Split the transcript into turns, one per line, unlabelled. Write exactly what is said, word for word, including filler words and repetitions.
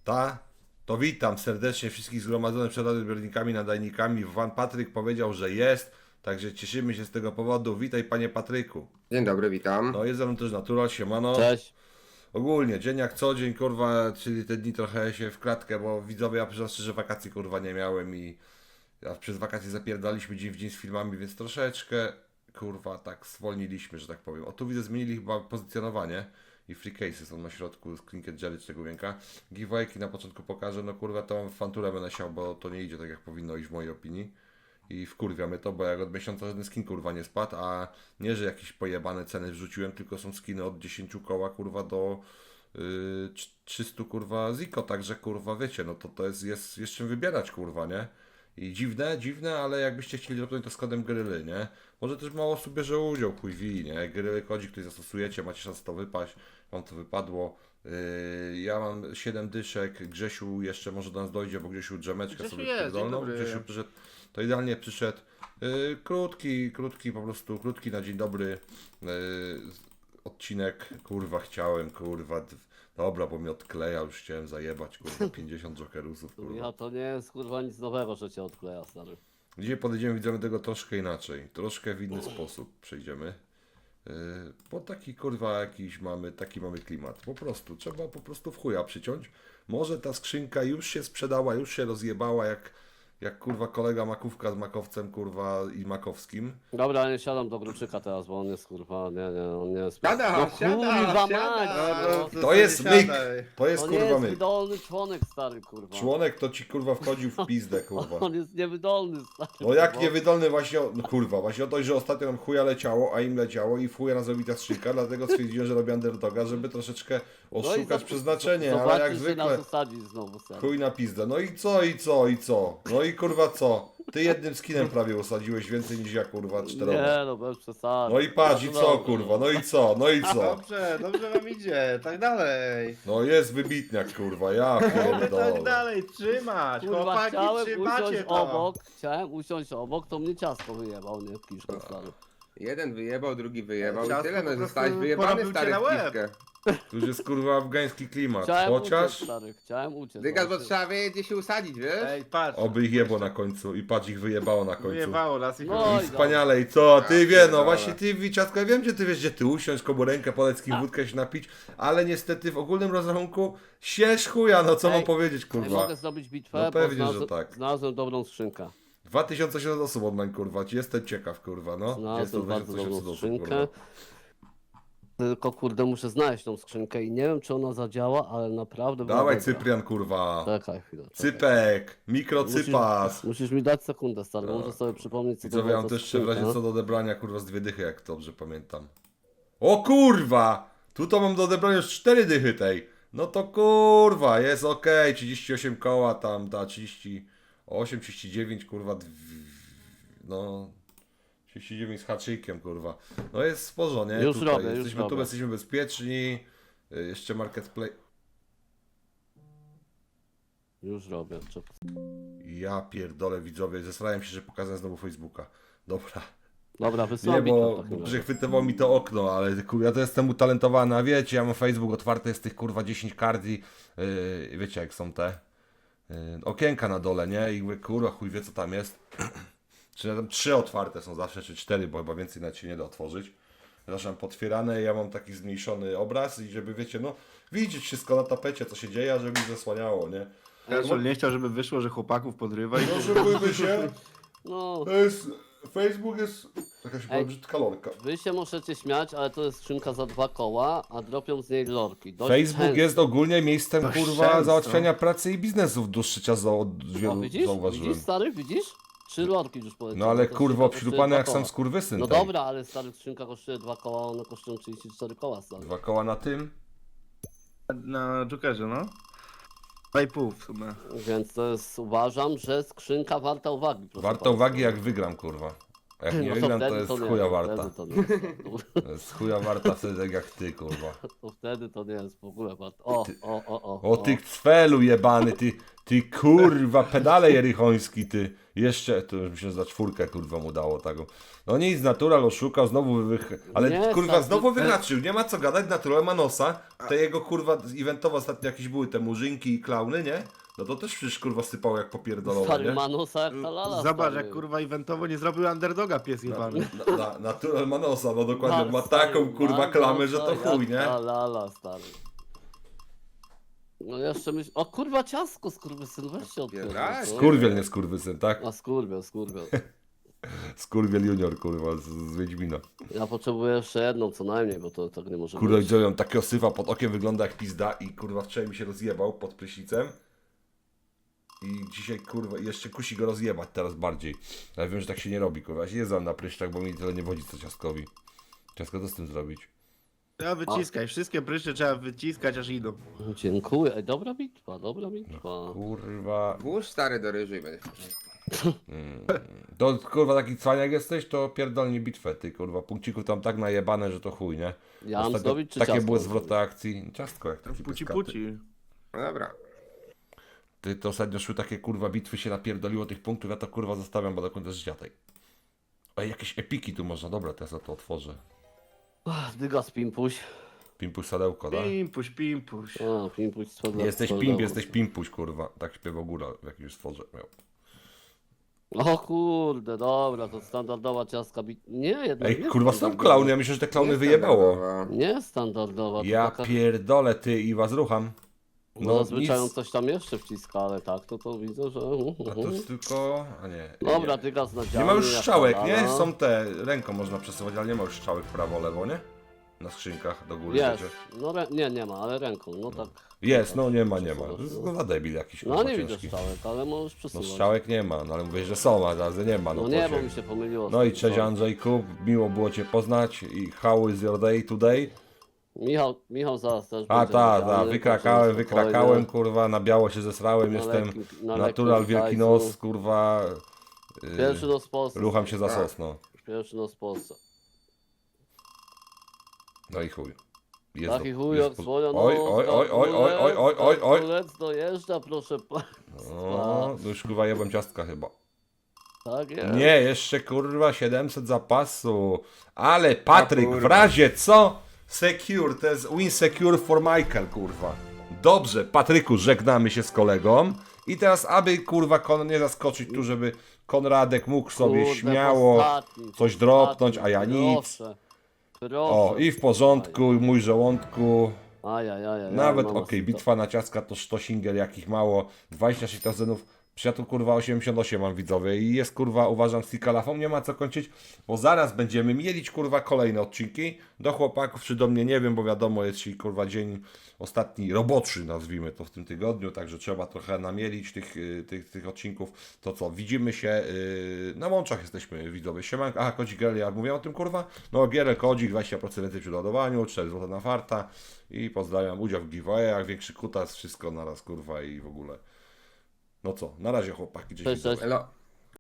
Ta? To witam serdecznie wszystkich zgromadzonych przed odbiornikami, nadajnikami. Pan Patryk powiedział, że jest, także cieszymy się z tego powodu. Witaj panie Patryku.
Dzień dobry, witam.
No jest ze mną też Natural, siemano.
Cześć.
Ogólnie, dzień jak co dzień, kurwa, czyli te dni trochę się w kratkę, bo widzowie, ja przyznam szczerze, że wakacji kurwa nie miałem i ja przez wakacje zapierdaliśmy dzień w dzień z filmami, więc troszeczkę, kurwa, tak zwolniliśmy, że tak powiem. O, tu widzę, zmienili chyba pozycjonowanie i free cases są na środku z Clinket Jelly czy tego wienka. Giveawayki na początku pokażę, no kurwa, to fanturę będę siał, bo to nie idzie tak jak powinno iść w mojej opinii. I wkurwiamy to, bo jak od miesiąca żaden skin kurwa nie spadł, a nie, że jakieś pojebane ceny wrzuciłem, tylko są skiny od dziesięć koła kurwa do yy, trzysta kurwa ziko, także kurwa wiecie, no to to jest, jest, jest czym wybierać kurwa, nie? I dziwne, dziwne, ale jakbyście chcieli zrobić to z kodem gryly, nie? Może też mało osób bierze udział, chuj wi, nie? Gryly kodzik, który zastosujecie, macie szansę to wypaść, wam to wypadło. Yy, ja mam siedem dyszek, Grzesiu jeszcze może do nas dojdzie, bo Grzesiu drzemeczkę
Grzesiu
sobie
jest, dzień
pierdolną.
dobry.
Grzesiu przyszedł, to idealnie przyszedł. Yy, krótki, krótki po prostu, krótki na dzień dobry yy, odcinek, kurwa chciałem, kurwa, d- dobra, bo mnie odkleja, już chciałem zajebać, kurwa, pięćdziesiąt jokerusów, kurwa.
Ja to nie jest kurwa nic nowego, że cię odkleja, stary.
Dzisiaj podejdziemy, widzimy tego troszkę inaczej, troszkę w inny sposób przejdziemy. Yy, bo taki kurwa jakiś mamy, taki mamy klimat. Po prostu, trzeba po prostu w chuja przyciąć. Może ta skrzynka już się sprzedała, już się rozjebała jak, jak kurwa kolega Makówka z Makowcem kurwa i Makowskim.
Dobra, nie siadam do Gruczyka teraz, bo on jest kurwa, nie, nie, on nie jest...
Siada,
no
siada,
kurwa
siada.
mać, no.
To
sobie
jest
siadaj.
myk, to jest
To nie
kurwa
jest
myk.
wydolny członek, stary, kurwa.
Członek to ci kurwa wchodził w pizdę kurwa.
On jest niewydolny, stary.
No jak
bo-
niewydolny właśnie, o- no kurwa, właśnie o to, że ostatnio nam chuja leciało, a im leciało i w chuja nas robi ta skrzynka, dlatego stwierdziłem, że robię underdoga, żeby troszeczkę
No i
oszukać
zob-
przeznaczenie, ale
zobaczysz,
jak
że
zwykle
nas usadzi znowu, stary.
chuj na pizdę. No i co, i co, i co? No i kurwa co? Ty jednym skinem prawie usadziłeś więcej niż ja kurwa czteroma.
Nie, no bez przesady.
No i patrz, i co kurwa, no i co, no i co?
Dobrze, dobrze wam idzie, tak dalej.
No jest wybitniak kurwa, ja
Oby tak
pierdolę.
dalej trzymać,
Kurwa,
chłopaki,
chciałem
trzymacie
usiąść
to.
obok, chciałem usiąść obok, to mnie ciasto wyjebał, nie, w kiszkę, stary.
Jeden wyjebał, drugi wyjebał i
Ciastko
tyle,
po
no
prostu
zostałeś wyjebany
porobił
stary
cię na
w
łeb.
piwkę.
Tu już jest kurwa afgański klimat,
Chciałem uciec,
chociaż
stary, chciałem uciec.
Dygas, bo
właśnie.
trzeba wiedzieć gdzie się usadzić, wiesz?
Ej, patrz.
oby ich jebło na końcu i patrz ich wyjebało na końcu.
Wyjebało las i
No
chuj.
i
I wspaniale, i co? Ty
Ja
wie, no
pierdolę.
właśnie ty, Wiciatko, ja wiem, gdzie ty wiesz, gdzie ty usiąść, komu rękę podać, z kim wódkę się napić, ale niestety w ogólnym rozrachunku sież chuja, no co
Ej,
mam powiedzieć,
Nie
kurwa.
mogę zrobić bitwę,
No
bo
pewnie, że
znalazłem,
tak.
znalazłem dobrą skrzynkę.
dwa tysiące osiemset osób online, kurwa, jestem ciekaw, kurwa, no. Jest to
Znalazłem bardzo dobrą
osób,
skrzynkę.
kurwa.
Tylko kurde, muszę znaleźć tą skrzynkę i nie wiem, czy ona zadziała, ale naprawdę była
Dawaj
dobra.
Cyprian, kurwa.
Czekaj chwilę. czekaj.
Cypek, mikrocypas.
Musisz, musisz mi dać sekundę, stary,
Tak.
muszę sobie przypomnieć, co
I
to
co,
była
ja mam
za
też jeszcze w
skrzynka.
razie co do odebrania, kurwa, z dwie dychy, jak dobrze pamiętam. O kurwa! Tu to mam do odebrania już cztery dychy tej. No to kurwa, jest okej, trzydzieści osiem koła tam, da trzydzieści osiem, trzydzieści dziewięć, kurwa, dw... no... trzydzieści dziewięć z haczykiem, kurwa. No jest sporo, nie?
Już
Tutaj
robię, już
jesteśmy, tu
robię.
jesteśmy bezpieczni. Y, Jeszcze marketplace.
Już robię. Czekaj.
Ja pierdolę widzowie, zesrałem się, że pokazałem znowu Facebooka. Dobra.
Dobra,
Nie,
wysyłam bitwę
bo
w takim razie.
przechwytywało mi to okno, ale kurwa, ja to jestem utalentowany, a wiecie, ja mam Facebook otwarty, jest tych kurwa dziesięć kardzi, yy, wiecie jak są te yy, okienka na dole, nie? I mówię, kurwa, chuj wie co tam jest. Czy tam trzy otwarte są zawsze, czy cztery, bo chyba więcej nawet się nie da otworzyć. Zresztą potwierane, ja mam taki zmniejszony obraz i żeby, wiecie, no, widzieć wszystko na tapecie, co się dzieje, a żeby mi zasłaniało, nie?
Kaszel nie chciał, żeby wyszło, że chłopaków podrywa i...
No, szybujmy się.
No,
To jest, Facebook jest jakaś
Ej.
brzydka lorka.
wy się możecie śmiać, ale to jest skrzynka za dwa koła, a dropią z niej lorki. Dość
Facebook
często.
jest ogólnie miejscem
Dość
kurwa
często.
załatwiania pracy i biznesu w dłuższy czas za, od
O,
wielu
widzisz?
zauważyłem.
Widzisz, stary, widzisz? Trzy lorki już poleciały.
No ale
To
kurwa
skrzynka kosztuje
obśrupany
dwa
jak sam
koła.
skurwysyn.
No
tej.
dobra, ale stary, skrzynka kosztuje dwa koła, one kosztują trzydzieści cztery koła, stary.
Dwa koła na tym.
Na Jokerze, no. Dwa i pół w sumie.
Więc to jest, uważam, że skrzynka warta uwagi. proszę
Warto
państwa.
uwagi jak wygram kurwa. A jak nie
No
wygram to
wtedy
jest
nie,
chuja
to
warta.
Wtedy to nie jest,
To jest chuja warta wtedy tak jak ty kurwa.
to wtedy to nie jest w ogóle warto. O,
Ty-
o, o, o.
O ty cfelu jebany, ty, Ty kurwa, pedale jerychoński, ty. Jeszcze, to już mi się za czwórkę kurwa mu dało taką. No nic, Natural oszukał, znowu wych... Ale
Nie,
kurwa,
tak,
znowu
ty-
wyhaczył, nie ma co gadać, Natural ma nosa. Te jego kurwa, eventowo ostatnio jakieś były te murzynki i klauny, nie? No to też przecież kurwa sypało jak popierdolone,
Stary
nie?
Manusa jak ta lala.
Zobacz,
stary.
jak kurwa eventowo nie zrobił underdoga pies jebany.
Na, na, natural ma nosa, no dokładnie,
Ma,
ma
stary,
taką kurwa
ma
klamę, że
nosa
to
jak
chuj, nie?
ta lala, stary. No jeszcze myśl... O kurwa, ciasko, skurwysyn, weź się odpierdol.
Pierdalaj.
co?
Skurwiel, nie skurwysyn, tak?
A skurwiel, skurwiel.
Skurwiel junior, kurwa, z, z Wiedźmina.
Ja potrzebuję jeszcze jedną co najmniej, bo to tak nie może
Kurwa,
być.
widziałem takiego syfa pod okiem, wygląda jak pizda i kurwa wczoraj mi się rozjebał pod prysznicem. I dzisiaj kurwa jeszcze kusi go rozjebać teraz bardziej. Ale wiem, że tak się nie robi, kurwa. Ja się jeżdżam na pryszczach, bo mi tyle nie wodzi co ciastkowi. Ciastko, co z tym zrobić?
Trzeba wyciskać, wszystkie pryszcze trzeba wyciskać aż idą.
Dziękuję. Ej, dobra bitwa, dobra bitwa.
Kurwa.
Włóż stary do ryżu i będziesz.
To kurwa taki cwaniak jesteś, to pierdolnie bitwę, ty kurwa. Punkcików tam tak najebane, że to chuj, nie?
Ja mam
Ostatnio
zdobyć czy
takie
ciastko?
były zwroty akcji. Ciastko jak taki
Puci
pyskaty.
puci.
No dobra.
Ty to ostatnio szły takie kurwa bitwy, się napierdoliło tych punktów, ja to kurwa zostawiam, bo do końca życia tej. Oj, jakieś epiki tu można, dobra, teraz ja to otworzę.
Ach, Dygas pimpuś.
Pimpuś sadełko, tak?
Pimpuś, pimpuś.
A, pimpuś swego.
Nie jesteś pimp, jesteś pimpuś, kurwa. Tak śpiewał góra w jakimś stworze miał.
O kurde, dobra, to standardowa ciastka bit... Nie, jednak
Ej,
nie
kurwa, są
standardowa.
klauny, ja myślę, że te klauny
Nie
wyjebało.
standardowa.
Nie standardowa, to
Ja
taka...
pierdolę, ty i was rucham.
No,
No
zazwyczaj on
nic.
coś tam jeszcze wciska, ale tak, to to widzę, że...
A to jest tylko... A nie.
Dobra,
nie.
Dygas na
Nie
działanie.
ma już
jak
strzałek,
ta
nie?
lala.
Są te, ręką można przesuwać, ale nie ma już strzałek prawo, lewo, nie? Na skrzynkach do góry.
Jest,
wiecie.
no rę... nie, nie ma, ale ręką, no tak.
Jest, no nie ma, nie ma. To
Przesuwasz,
jest
no.
za debil jakiś,
No
kurwa,
nie widzę
ciężki.
strzałek, ale możesz
No
przesuwać.
strzałek nie ma, no ale mówię, że są, a razy nie ma. No,
No
to
nie,
się-
bo mi się pomyliło.
No i
z tym,
cześć
co-
Andrzejku, miło było Cię poznać i how is your day today?
Michał, Michał zaraz też
A
będzie
ta,
wiedziany,
ta, wykrakałem,
także spokojnie.
wykrakałem, kurwa, na biało się zesrałem,
Na
jestem
lekkim- na
natural
lekkim
wielki
zajcu.
nos, kurwa, yy,
Pierwszy nos w Polsce.
rucham się za
Tak.
sos, no.
Pierwszy nos w Polsce.
No i chuj. Jest
Taki
do-
chuj
jest
jak
po-
swoja
Oj, oj, oj, oj, oj, oj, oj, oj, oj.
Kulec dojeżdża, proszę państwa.
O, no już kurwa jebłem ciastka chyba.
Tak jest.
Nie, jeszcze kurwa siedemset zapasu. Ale Patryk, w
kurwa.
razie co? Secure, to jest win secure for Michael, kurwa. Dobrze, Patryku, żegnamy się z kolegą. I teraz, aby kurwa Kon nie zaskoczyć tu, żeby Konradek mógł sobie
Kurde,
śmiało
ostatni,
coś dropnąć,
ostatni,
a ja nic.
Proszę, proszę.
O, i w porządku, mój żołądku.
Ajajaj.
Nawet okej, bitwa na ciastka to sztosinger, jakich mało. dwadzieścia sześć tazenów. Przyjaciół kurwa osiemdziesiąt osiem mam widzowie i jest kurwa uważam z Tikalafą, nie ma co kończyć, bo zaraz będziemy mielić kurwa kolejne odcinki do chłopaków czy do mnie, nie wiem, bo wiadomo jest dzisiaj kurwa dzień ostatni roboczy, nazwijmy to w tym tygodniu, także trzeba trochę namielić tych, y, tych, tych odcinków. To co, widzimy się yy, na łączach jesteśmy widzowie, siemanko, aha, kodzik G L, ja mówię o tym kurwa, no G L, kodzik, dwadzieścia procent więcej przy ładowaniu, cztery złote na farta i pozdrawiam, udział w giveawayach, większy kutas, wszystko naraz kurwa i w ogóle. No co, na razie chłopaki, cześć.
Cześć, cześć.
Elo.